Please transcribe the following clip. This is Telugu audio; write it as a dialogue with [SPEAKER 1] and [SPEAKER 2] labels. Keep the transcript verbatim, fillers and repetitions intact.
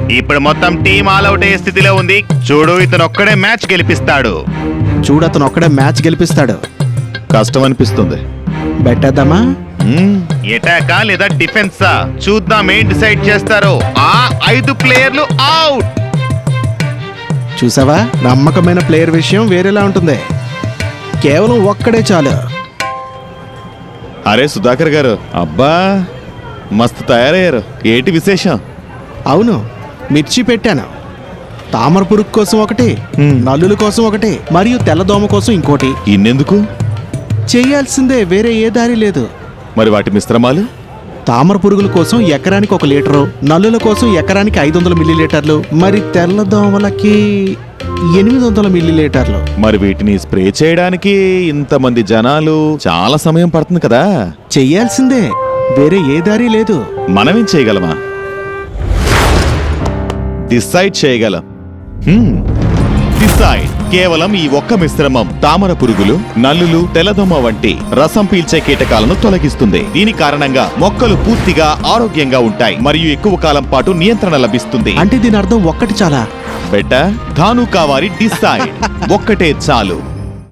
[SPEAKER 1] ఇప్పుడు మొత్తం టీం ఆల్అౌట్ అయ్యే స్థితిలో ఉంది. చూడు, ఇతను ఒక్కడే మ్యాచ్ గెలిపిస్తాడు.
[SPEAKER 2] చూడు, అతను ఒక్కడే మ్యాచ్ గెలిపిస్తాడు.
[SPEAKER 3] కష్టం అనిపిస్తుంది.
[SPEAKER 2] బెట్టేద్దామా?
[SPEAKER 1] ఎటాకా లేదా డిఫెన్సా చూద్దాం ఏం డిసైడ్ చేస్తారో. ఆ ఐదు ప్లేయర్లు అవుట్.
[SPEAKER 2] చూసావా, నమ్మకమైన ప్లేయర్ విషయం వేరేలా ఉంటుంది. కేవలం ఒక్కడే చాలు.
[SPEAKER 3] అరే సుధాకర్ గారు, అబ్బా మస్తు తయారయ్యారు. ఏంటి విశేషం?
[SPEAKER 2] అవును, మిర్చి పెట్టాను. తామర పురుగు కోసం ఒకటి, నల్లుల కోసం ఒకటి, మరియు తెల్లదోమ కోసం ఇంకోటి.
[SPEAKER 3] ఇన్నెందుకు?
[SPEAKER 2] చేయాల్సిందే, వేరే ఏ దారి లేదు.
[SPEAKER 3] మరి వాటి మిశ్రమాలు?
[SPEAKER 2] తామర పురుగుల కోసం ఎకరానికి ఒక లీటరు, నల్లుల కోసం ఎకరానికి ఐదు వందల మిల్లీలీటర్లు, మరి తెల్లదోమలకి ఎనిమిది వందల మిల్లీలీటర్లు.
[SPEAKER 3] మరి వీటిని స్ప్రే చేయడానికి ఇంతమంది జనాలు, చాలా సమయం పడుతుంది కదా.
[SPEAKER 2] చెయ్యాల్సిందే, వేరే ఏ దారి లేదు.
[SPEAKER 3] మనమేం చేయగలమా? డిసైడ్ చేయగలం. హ్మ్. డిసైడ్. కేవలం ఈ ఒక్క మిశ్రమం తామర పురుగులు, నల్లులు, తెల్లదోమ వంటి రసం పీల్చే కీటకాలను తొలగిస్తుంది. దీని కారణంగా మొక్కలు పూర్తిగా ఆరోగ్యంగా ఉంటాయి మరియు ఎక్కువ కాలం పాటు నియంత్రణ లభిస్తుంది.
[SPEAKER 2] అంటే దీని అర్థం ఒక్కటి చాలా.
[SPEAKER 3] బెట్ట ధాను కావారి డిసైడ్. ఒక్కటే చాలు.